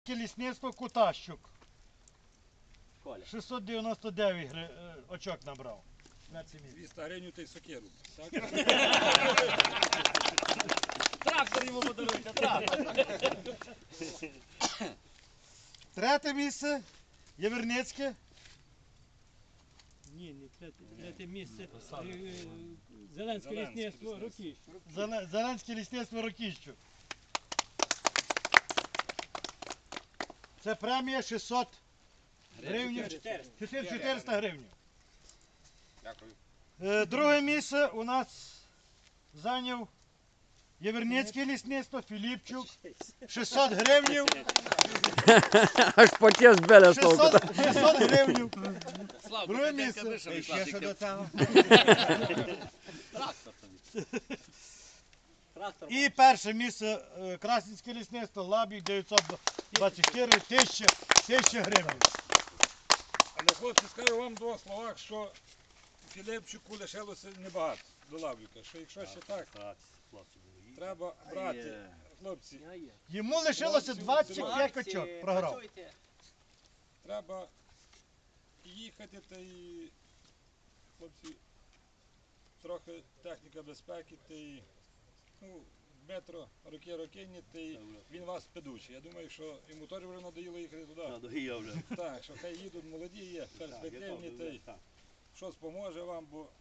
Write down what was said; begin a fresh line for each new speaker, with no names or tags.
Лісництво Кутащук. 699 очок набрав.
200 гривень та й сокиру.
Трактор йому подаруйте, трактор.
Третє місце Єверницьке.
Ні, не третє. Третє місце. Зеленське лісництво Рокіщ.
Зеленське лісництво Рокіщук. Це премія 600 гривень. 400 гривень.
Дякую.
Друге місце у нас зайняв Єверницьке лісництво Філіпчук. 600 гривень.
Аж потім збили з толку.
600 гривень.
Слава,
Друге місце.
Трактор тобі. Трактор.
І перше місце Красненське лісництво Лабік 924 тисячі гривень.
Але хлопці, скажу вам в двох словах, що Філіпчуку лишилося небагато до Лавріка. Що якщо ще так, треба брати, хлопці,
Йому лишилося 25 очок. Програв.
треба їхати та й, хлопці, трохи техніка безпеки, та й, метро роки-рокинні, та й він вас педучий. Я думаю, що йому теж вже надоїло їхати туди.
Надоїв вже.
Так, що хай їдуть молоді, є, перспективні, та й щось поможе вам, бо